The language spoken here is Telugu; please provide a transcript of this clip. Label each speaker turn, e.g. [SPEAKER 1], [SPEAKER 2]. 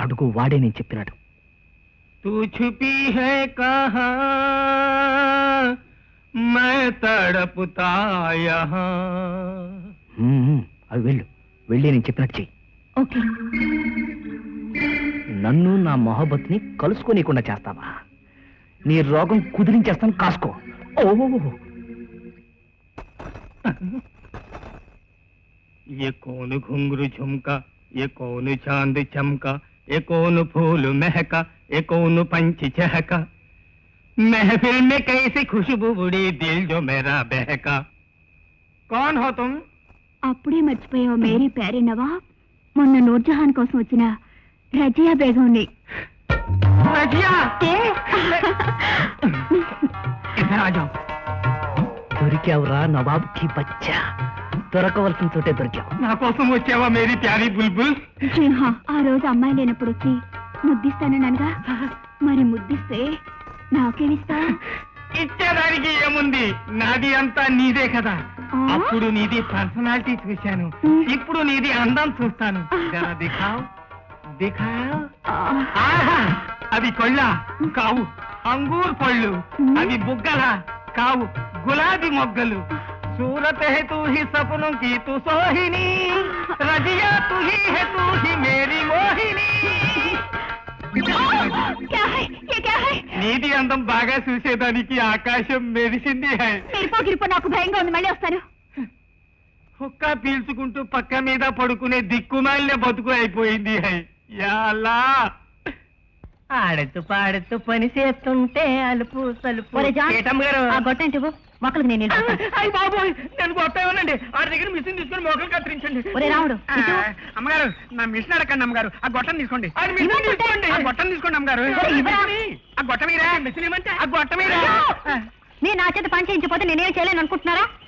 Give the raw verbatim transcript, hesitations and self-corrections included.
[SPEAKER 1] అడుగు వాడే నేను చెప్పినాడు.
[SPEAKER 2] తూ ఛుపీ హై కహా మై తడపుతా యహా.
[SPEAKER 1] అవి వెళ్ళు, వెళ్ళి నేను చెప్పినట్టు చెయ్యి.
[SPEAKER 3] ఓకే.
[SPEAKER 1] నన్ను నా మొహబ్బత్ని కలుసుకోనీయకుండా చేస్తావా? నీ రోగం కుదిరించేస్తాను, కాసుకో. ఓ
[SPEAKER 2] ये कौन घुंघरू झुमका, ये कौन चांद चमका, ये कौन फूल महका, ये कौन पंछी चहका, महफिल में कैसी खुशबू उड़ी दिल जो मेरा बहका. कौन हो तुम?
[SPEAKER 3] అప్పుడే మర్చిపోయావు మేరీ ప్యారీ నవాబ్. మొన్న నూర్జహాన్ కోసం వచ్చిన రజియా బేగంని.
[SPEAKER 2] रजिया तुम? इधर आ जाओ.
[SPEAKER 1] దొరికావురా నవాబ్కి బచ్చా. దొరకవలసిన చోటే దొరికావు.
[SPEAKER 2] నా కోసం వచ్చావా మేరీ ప్యారీ బుల్బుల్?
[SPEAKER 3] ఆ రోజు అమ్మాయి లేనప్పుడు వచ్చి ముద్దిస్తాననగా, మరి ముద్దిస్తే నాకేమిస్తా?
[SPEAKER 2] ఇచ్చేదానికి ఏముంది, నాది అంతా నీదే కదా. అప్పుడు నీది పర్సనాలిటీ చూశాను, ఇప్పుడు నీది అందం చూస్తాను. జరా దిఖావ్ దిఖావ్. అవి కొళ్ళ కావు, అంగూర్ పళ్ళు. అవి బుగ్గల కావు, గులాబీ మొగ్గలు. सूरत है तू ही सपनों की तू सोहिनी, रजिया तू ही है तू ही मेरी मोहिनी.
[SPEAKER 3] क्या है ये क्या है?
[SPEAKER 2] నీది అందం బాగా చూసేదానికి ఆకాశం మెరిసింది. హై
[SPEAKER 3] గిరిపో గిరిపో, నాకు భయంగా ఉంది, మళ్ళీ వస్తాను.
[SPEAKER 2] ఒక్క పీల్చుకుంటూ పక్క మీద పడుకునే దిక్కుమాలిన బతుకు అయిపోయింది. హై యా అల్లా.
[SPEAKER 4] ఆడుతూ పాడుతూ పని చేస్తుంటే అలుపు సలుపు.
[SPEAKER 3] గొట్టంటి మొక్కలకు నేను
[SPEAKER 2] అయ్యి బాబోయ్, నేను గొప్పేమోనండి. ఆ దగ్గర మిషన్ తీసుకుని మొక్కలు కత్తిరించండి.
[SPEAKER 3] ఒరే రాముడు,
[SPEAKER 2] అమ్మగారు నా మిషన్ అడగండి. అమ్మగారు ఆ గొట్టం తీసుకోండి. తీసుకోండి ఆ గొట్టం తీసుకోండి అమ్మగారు. ఆ గొట్ట మీరా మిషన్ ఏమంటే ఆ గొట్ట మీరా.
[SPEAKER 3] నేను నా చేత పని చేయించిపోతే నేనేం చేయలేను అనుకుంటున్నారా?